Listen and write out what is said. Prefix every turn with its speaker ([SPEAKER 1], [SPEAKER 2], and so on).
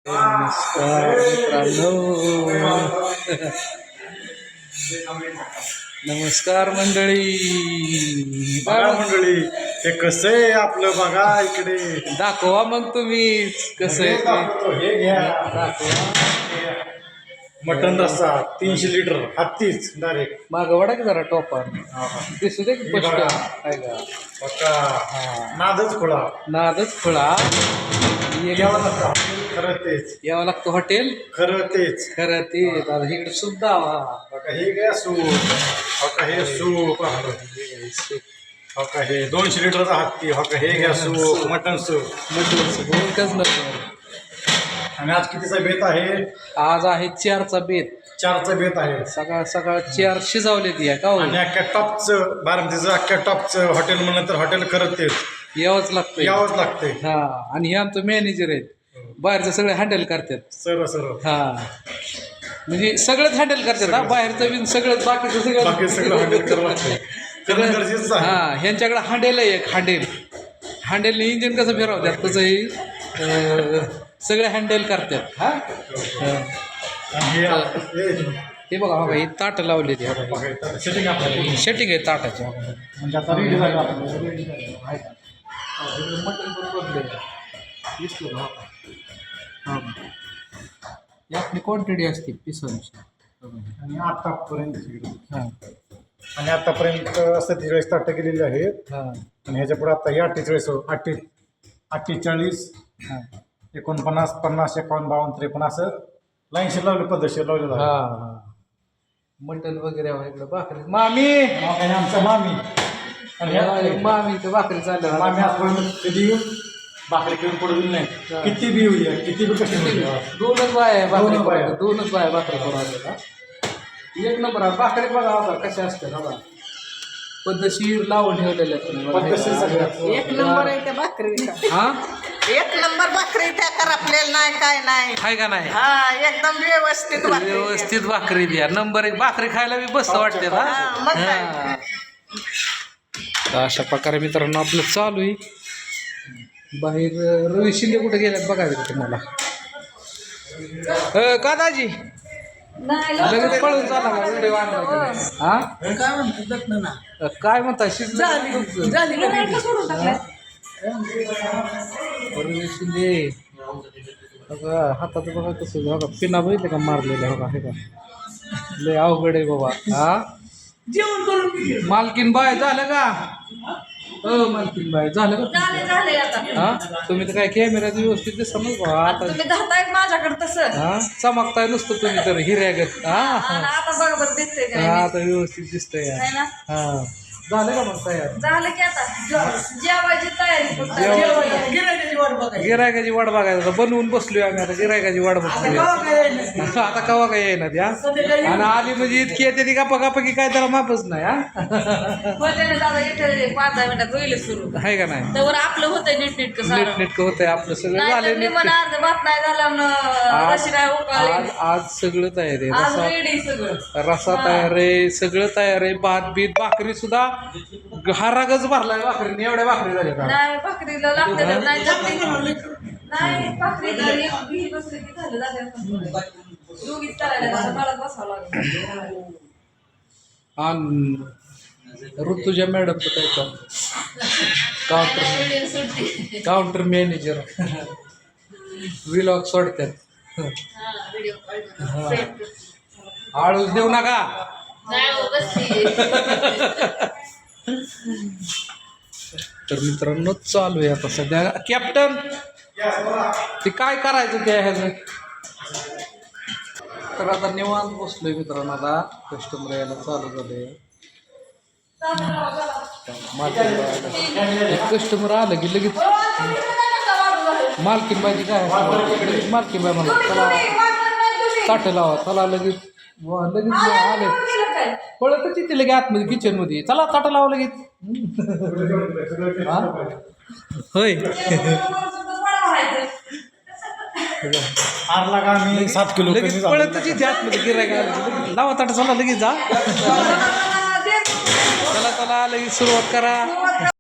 [SPEAKER 1] नमस्कार मित्रांनो. नमस्कार मंडळी.
[SPEAKER 2] बघा मंडळी, हे कसं आहे आपलं, बघा इकडे
[SPEAKER 1] दाखवा मग तुम्ही कसं आहे ते.
[SPEAKER 2] हे घ्या,
[SPEAKER 1] दाखवा.
[SPEAKER 2] मटन रस्सा 300 लिटर हत्तीच डायरेक्ट.
[SPEAKER 1] मागं वडा की जरा टोपा दिसू दे की स्पष्ट आहे का.
[SPEAKER 2] पक्का नादच खोळा.
[SPEAKER 1] नादच खुळा.
[SPEAKER 2] यावं लागतं खरं तेच,
[SPEAKER 1] यावं लागतं हॉटेल.
[SPEAKER 2] खरं तेच.
[SPEAKER 1] खरं ते आता इकडे सुद्धा
[SPEAKER 2] बघा हे घ्या सूप, बघा हे सूप, बघा हे 200 लिटरचा हत्ती, बघा हे घ्या सूप, मटन सूप.
[SPEAKER 1] एकच नंबर.
[SPEAKER 2] आणि आज कितीचा बेत आहे?
[SPEAKER 1] आज आहे 4चा बेत.
[SPEAKER 2] 4चा बेत आहे.
[SPEAKER 1] सकाळ सकाळ 4 शिजवले ती का हो.
[SPEAKER 2] आणि अख्ख्या टॉपचं बारामतीचं अख्ख्या टॉपचं हॉटेल म्हणलं तर हॉटेल खरं तेच
[SPEAKER 1] यावंच लागतं.
[SPEAKER 2] यावंच लागतंय.
[SPEAKER 1] हा. आणि हे आमचं मॅनेजर आहेत, बाहेरचं सगळे हँडल करतात.
[SPEAKER 2] सर्व सर्व
[SPEAKER 1] हा म्हणजे सगळंच हँडल करतात. हा बाहेरचं बिन सगळं बाकीचं
[SPEAKER 2] बाकी सगळं हँडल करावं लागतंय. करणं गरजेचं आहे.
[SPEAKER 1] हा. ह्यांच्याकडे हांडेल आहे एक हांडेलने इंजिन कसं फिरवतात तसंही सगळे हँडल करतात. हा.
[SPEAKER 2] आणि
[SPEAKER 1] हे बघा बघा ही ताटं लावली ती.
[SPEAKER 2] सेटिंग आपल्याला
[SPEAKER 1] सेटिंग आहे ताटाची.
[SPEAKER 2] म्हणजे आता रेडी झालं आपलं.
[SPEAKER 1] मटण पण बदले आपली क्वांटिटी असते पिसांची.
[SPEAKER 2] आणि आतापर्यंत
[SPEAKER 1] हां
[SPEAKER 2] आणि आतापर्यंत 47 ताटं केलेली आहेत.
[SPEAKER 1] हां
[SPEAKER 2] आणि ह्याच्या पुढे आता हे 48 48
[SPEAKER 1] हां
[SPEAKER 2] 49 50 51 52 53 असं लाईनशीर लावले, पद्धतशीर लावलेलं आहे.
[SPEAKER 1] हां मटण वगैरे इकडं भाकरी. मामी
[SPEAKER 2] आणि आमचा मामी आणि
[SPEAKER 1] मामी तर भाकरी चालल्या.
[SPEAKER 2] मामी आजपर्यंत कधी भाकरी करून पडून नाही. किती बी होऊ द्या, किती बी कशी होऊ द्या.
[SPEAKER 1] दोनच बाय भाकरी
[SPEAKER 2] दोनच बाया.
[SPEAKER 1] दोनच बाय भाकरी करून एक नंबर आहे. भाकरी बघा बघा कशा असतात. बघा पद्धतशीर लावून ठेवलेल्या
[SPEAKER 2] पद्धतशीर सगळं.
[SPEAKER 3] एक नंबर आहे त्या भाकरी.
[SPEAKER 1] हा.
[SPEAKER 3] एक नंबर भाकरी त्या करपलेलं नाही काय नाही.
[SPEAKER 1] आहे का नाही.
[SPEAKER 3] हा एकदम व्यवस्थित भाकरी.
[SPEAKER 1] व्यवस्थित भाकरी द्या. नंबर 1 भाकरी खायला बी बस वाटते ना.
[SPEAKER 3] हा, मग काय.
[SPEAKER 1] हा. तर अशा प्रकारे मित्रांनो आपलं चालू आहे. बाहेर रवी शिंदे कुठे गेल्यात बघायचं तुम्हाला. का दाजी लगेच पळून चाला का व्हिडिओ आणला. हा
[SPEAKER 3] काय म्हणतात ना
[SPEAKER 1] काय म्हणता शिंदे. रवी शिंदे बघा हातात बघा कसं बघा पिना बघितलं का मारलेलं बघा. हे का लय अवघड आहे बाबा. हा
[SPEAKER 3] जेवण करून
[SPEAKER 1] मालकीन बाय झालं का. मालकीन बाय झालं का.
[SPEAKER 3] झाले आता.
[SPEAKER 1] हा तुम्ही तर काय कॅमेऱ्यात व्यवस्थित दिसत नाही बा. आता
[SPEAKER 3] तुम्ही धरताय माझ्याकडे तसं.
[SPEAKER 1] हा चमकताय नुसतं तुम्ही तर हिऱ्यागत. हा
[SPEAKER 3] आता बरोबर दिसतंय काय.
[SPEAKER 1] हा आता व्यवस्थित दिसतंय.
[SPEAKER 3] है ना.
[SPEAKER 1] हा झालं का मग तयार.
[SPEAKER 3] झालं की आता जेवायची तयारी फक्त. गिऱ्हाईकाची वाट बघायची.
[SPEAKER 1] गिरायकाची वाट बघायचं. बनवून बसलोय आम्ही आता गिरायकाची वाट बघतोय. आता कवा काय येणार त्या. आणि आली म्हणजे इतकी येते ती गप्पा की काय त्याला मापच नाही. हा
[SPEAKER 3] होते ना दादा इथे 5-10 मिनिटात होईल सुरू.
[SPEAKER 1] आहे का नाही.
[SPEAKER 3] तर आपलं होतंय नीट
[SPEAKER 1] नीट होतंय आपलं सगळं झालंय नीट.
[SPEAKER 3] मला अर्ध भात नाही झाला रशी नाही उकळली.
[SPEAKER 1] आज सगळं तयार आहे.
[SPEAKER 3] आज रेडी सगळं.
[SPEAKER 1] रसा तयार आहे. सगळं तयार आहे. भात बीत भाकरी सुद्धा हारागच भरलाय भाकरीने. एवढ्या भाकरी झाल्या.
[SPEAKER 3] नाही भाकरीला लागते नाही नाही भाकरीला एक बी बसली की झालं जाते. दोघीच करायला मला बसावं लागेल.
[SPEAKER 1] आणि ऋतुजा मॅडम तर काय काउंटर मॅनेजर व्लॉग सोडतात. आळूच देऊ नका. तर मित्रांनो चालू आहे आता सध्या. कॅप्टन ते काय करायचं त्या ह्याचं. तर आता निवांत बसलोय मित्रांनो. आता कस्टमर यायला चालू झाले. कस्टमर आलं की लगेच मालकीन बाईची काय लगेच मालकीन बाई मला चला ताटं लावा चला लगेच लगेच आले. पळतच येते लगे आतमध्ये किचनमध्ये. चला ताटं लावा लगेच. होय
[SPEAKER 2] आरला का मी 7 किलो
[SPEAKER 1] लगेच पळतच येते आतमध्ये गिरायला. लावा ताटं चला लगेच जा. चला चला लगेच सुरुवात करा.